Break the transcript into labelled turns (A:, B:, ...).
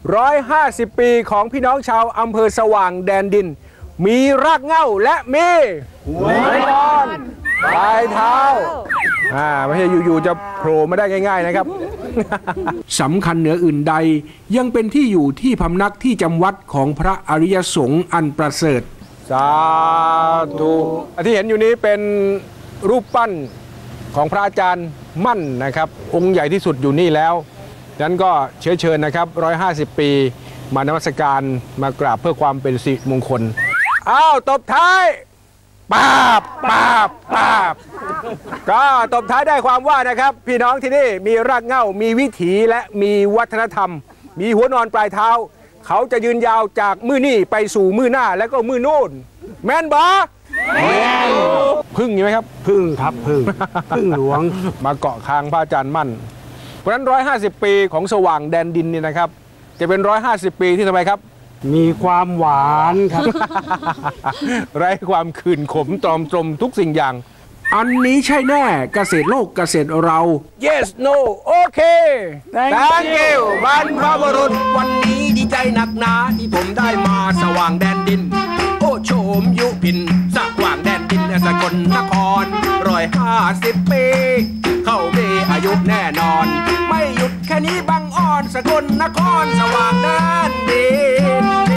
A: 150 ปีของพี่น้องชาวอำเภอสว่างแดนดินมีรากเหง้าและมีหัวนอนปลายเท้าไม่ใช่อยู่ๆจะโผล่มาได้ง่ายๆนะครับ สำคัญเหนืออื่นใดยังเป็นที่อยู่ที่พำนักที่จำวัดของพระอริยสงฆ์อันประเสริฐสาธุที่เห็นอยู่นี้เป็นรูปปั้นของพระอาจารย์มั่นนะครับองค์ใหญ่ที่สุดอยู่นี่แล้วดังนั้นก็เชื้อเชิญนะครับ150 ปีมานมัสการมากราบเพื่อความเป็นสิริมงคลตบท้ายปาบก็ตบท้ายได้ความว่านะครับพี่น้องที่นี่มีรากเหง้ามีวิถีและมีวัฒนธรรมมีหัวนอนปลายเท้าเขาจะยืนยาวจากมือนี่ไปสู่มือหน้าแล้วก็มือโน่นแม่นบอพึ่งอยู่ไหมครับพึ่งครับพึ่งหลวงมาเกาะคางพระอาจารย์มั่นเพราะฉะนั้น150 ปีของสว่างแดนดินนี่นะครับจะเป็น150 ปีที่ทำไมครับมีความหวานครับ ไร้ความขื่นขมตรอมตรมทุกสิ่งอย่างอันนี้ใช่แน่เกษตรโลกเกษตรเรา yes no โอเค thank you บรรพบุรุษวันนี้ดีใจหนักหนาที่ผมได้มาสว่างแดนดินโอ้โฉมยุพินสว่างแดนดินสกลนคร150 ปีเข้ามีอายุแน่นอนไม่หยุดแค่นี้บังอ่อนสกลนครสว่างแดนดิน